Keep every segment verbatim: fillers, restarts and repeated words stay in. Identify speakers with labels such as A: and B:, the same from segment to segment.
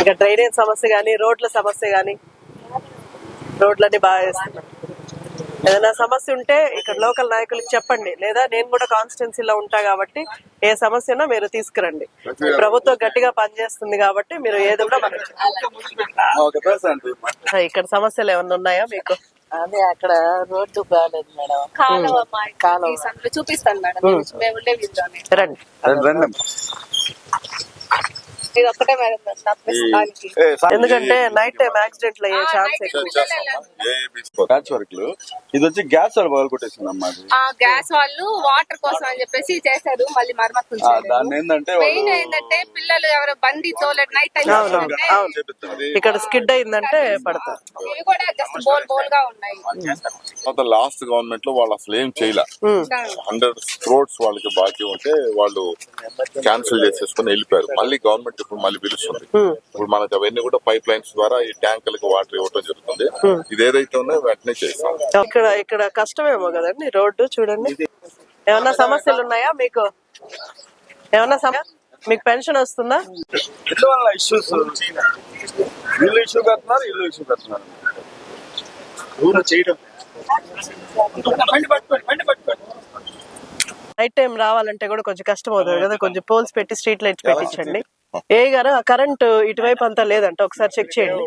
A: ఇక డ్రైనేజ్ సమస్య గానీ, రోడ్ల సమస్య గానీ, రోడ్లన్నీ బాగా వేస్తున్నారు. ఏదైనా సమస్య ఉంటే ఇక్కడ లోకల్ నాయకులకు చెప్పండి, లేదా నేను కూడా కాన్స్టిట్యున్సీలో ఉంటా కాబట్టి ఏ సమస్య ఉన్నా మీరు తీసుకురండి. ప్రభుత్వం గట్టిగా పనిచేస్తుంది కాబట్టి మీరు ఏది కూడా మనకి. ఇక్కడ సమస్యలు ఏమన్నా ఉన్నాయా మీకు?
B: అదే అక్కడ రోడ్డు బాగాలేదు మేడం.
C: కాలువ కాలువ చూపిస్తాను మేడం, మేము ఉండే వీధిలోనే.
A: రండి.
C: ఇది ఒక్కటే మేడం ప్రస్తుతానికి.
A: ఎందుకంటే నైట్ టైం యాక్సిడెంట్లు అయ్యే ఛాన్స్ ఎక్కువ.
D: ఇది వచ్చి గ్యాస్ వాళ్ళు పగలు కొట్టేసిందమ్మా.
C: గ్యాస్ వాళ్ళు వాటర్ కోసం అని చెప్పేసి చేశారు, మళ్ళీ మరమ్మతులు
D: దాన్ని ఏంటంటే
C: మెయిన్ ఏంటంటే పిల్లలు ఎవరో బండి తోలేట్ నైట్ టైం
A: ఇక్కడ స్కిడ్ అయిందంటే పడతారు.
C: ఇవి కూడా జస్ట్ బోల్ బోల్ గా ఉన్నాయి.
E: లాస్ట్ గవర్నమెంట్ లో వాళ్ళు అసలు ఏం చేయలే. హండ్రెడ్ క్రోడ్స్ వాళ్ళకి బాకీ ఉంటే వాళ్ళు క్యాన్సిల్ చేసేసుకుని వెళ్ళిపోయారు. మళ్ళీ గవర్నమెంట్ ఇప్పుడు మళ్ళీ పిలుస్తుంది. ఇప్పుడు మనకు అవన్నీ కూడా పైప్ లైన్స్ ద్వారా ఈ ట్యాంకులకు వాటర్ ఇవ్వడం జరుగుతుంది. ఇది ఏదైతే ఉందో వెంటనే చేస్తాం.
A: ఇక్కడ ఇక్కడ కష్టమేమో కదండి రోడ్డు చూడండి. ఏమన్నా సమస్యలు ఉన్నాయా మీకు? ఏమన్నా సమస్య? మీకు పెన్షన్ వస్తుందా?
D: ఇష్యూస్ ఇల్లు ఇష్యూ కడుతున్నారు, ఇల్లు ఇష్యూ కడుతున్నారు.
A: నైట్ టైం రావాలంటే కూడా కొంచెం కష్టం అవుతుంది కదా, కొంచెం పోల్స్ పెట్టి స్ట్రీట్ లైట్స్ పెట్టించండి. ఏ గారు ఆ కరెంట్ ఇటువైపు అంతా లేదంట, ఒకసారి చెక్ చేయండి.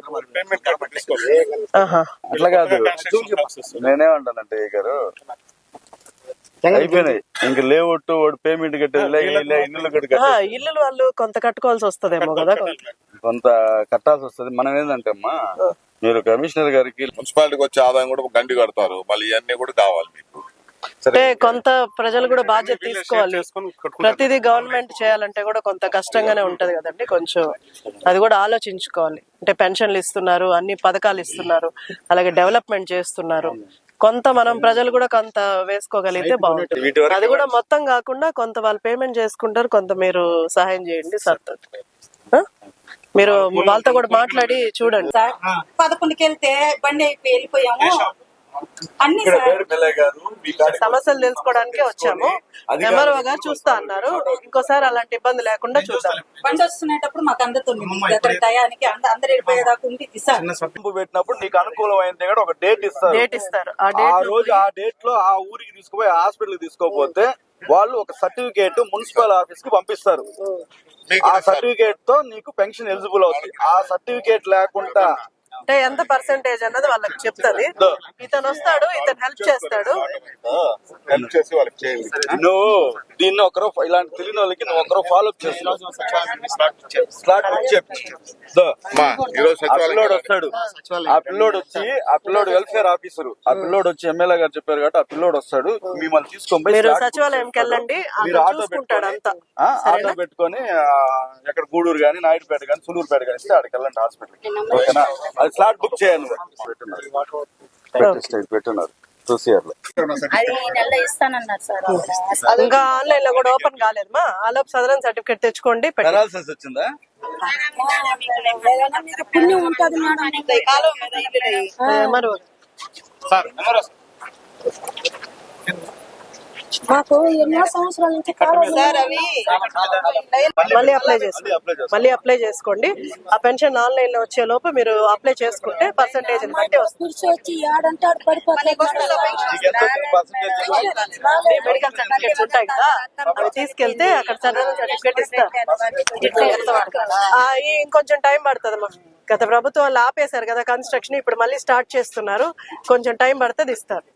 D: అట్లా కాదు, నేనేమంటానంటే ఏ గారు అయిపోయినాయి ఇంక లేవట్టు వాడు పేమెంట్ కట్టేది ఇల్లు
A: ఇల్లు వాళ్ళు కొంత కట్టుకోవాల్సి వస్తుందేమో కదా,
D: కొంత కట్టాల్సి వస్తుంది. మనం ఏంటంటే అమ్మా మీరు కమిషనర్ గారికి
E: మున్సిపాలిటీకి వచ్చే ఆదాయం కూడా గండి కడతారు, మళ్ళీ ఇవన్నీ కూడా కావాలి మీకు.
A: అంటే కొంత ప్రజలు కూడా బాధ్యత తీసుకోవాలి. ప్రతిదీ గవర్నమెంట్ చేయాలంటే కూడా కొంత కష్టంగానే ఉంటది కదండి, కొంచెం అది కూడా ఆలోచించుకోవాలి. అంటే పెన్షన్లు ఇస్తున్నారు, అన్ని పథకాలు ఇస్తున్నారు, అలాగే డెవలప్మెంట్ చేస్తున్నారు. కొంత మనం ప్రజలు కూడా కొంత వేసుకోగలిగితే బాగుంటుంది. అది కూడా మొత్తం కాకుండా కొంత వాళ్ళు పేమెంట్ చేసుకుంటారు, కొంత మీరు సహాయం చేయండి సార్. మీరు వాళ్ళతో కూడా మాట్లాడి చూడండి.
B: పదకొండుకి వెళ్తే బండి అయిపోయి వెళ్ళిపోయాము. అన్ని
A: సమస్యలు తెలుసుకోవడానికే వచ్చాము. ఎంఆర్ఓ గారు చూస్తా అన్నారు, ఇంకోసారి అలాంటి ఇబ్బంది లేకుండా చూస్తాం.
B: బండి వస్తున్నప్పుడు మాకు అందుతుంది టయానికి అందరు వెళ్ళిపోయేదాకా ఉండి
D: పెట్టినప్పుడు నీకు అనుకూలమైంది కూడా ఒక డేట్ ఇస్తారు.
A: డేట్ ఇస్తారు.
D: ఆ రోజు ఆ డేట్ లో ఆ ఊరికి తీసుకుపోయి హాస్పిటల్ తీసుకోపోతే వాళ్ళు ఒక సర్టిఫికేట్ మున్సిపల్ ఆఫీస్ కి పంపిస్తారు. ఆ సర్టిఫికేట్ తో నీకు పెన్షన్ ఎలిజిబుల్ అవుతుంది. ఆ సర్టిఫికేట్ లేకుండా
A: అంటే ఎంత పర్సెంటేజ్ అన్నది వాళ్ళకి చెప్తాది. ఇతను వస్తాడు, ఇతను హెల్ప్ చేస్తాడు.
E: హెల్ప్ చేసి వాళ్ళకి చేయండి.
D: నువ్వు దీన్ని ఒకరో ఇలాంటి తెలియని వాళ్ళకి నువ్వు ఒకరో ఫాలో అప్ చేస్తున్నావు. స్లాట్ బుక్ చెప్పి పిల్లోడు వస్తాడు. ఆ పిల్లోడు వచ్చి ఆ పిల్లోడు వెల్ఫేర్ ఆఫీసర్, ఆ పిల్లోడు వచ్చి ఎమ్మెల్యే గారు చెప్పారు కాబట్టి ఆ పిల్లోడు వస్తాడు. మిమ్మల్ని తీసుకొని
A: మీరు సచివాలయంకి వెళ్ళండి,
D: మీరు ఆటో పెట్టుకుంటాడు అంతా. ఆటో పెట్టుకొని ఎక్కడ గూడూరు గానీ, నాయుడుపేట గానీ, సులూరుపేట కానీ ఇస్తే అక్కడికి వెళ్ళండి హాస్పిటల్. ఓకేనా? అది స్లాట్ బుక్ చేయండి. పెట్టున్నారు చూసియారు.
A: ఇంకా ఆన్లైన్ లో కూడా ఓపెన్ కాలేదు మా. ఆలోపు సదరన్ సర్టిఫికేట్ తెచ్చుకోండి.
D: పెరాల్సిస్ వచ్చిందా?
B: మాకు ఎన్నో సంవత్సరాల నుంచి
A: మళ్ళీ అప్లై చేసుకోండి. మళ్ళీ అప్లై చేసుకోండి. ఆ పెన్షన్ ఆన్లైన్ లో వచ్చే లోపు మీరు అప్లై చేసుకుంటే పర్సంటేజ్ బట్టి వస్తుంది. మెడికల్ సర్టిఫికేట్స్ ఉంటాయి కదా, అవి తీసుకెళ్తే అక్కడ సర్టిఫికేట్ సర్టిఫికేట్ ఇస్తారు. ఇంకొంచెం టైం పడుతుంది అమ్మా. గత ప్రభుత్వం వాళ్ళు ఆపేశారు కదా కన్స్ట్రక్షన్, ఇప్పుడు మళ్ళీ స్టార్ట్ చేస్తున్నారు. కొంచెం టైం పడుతుంది, ఇస్తారు.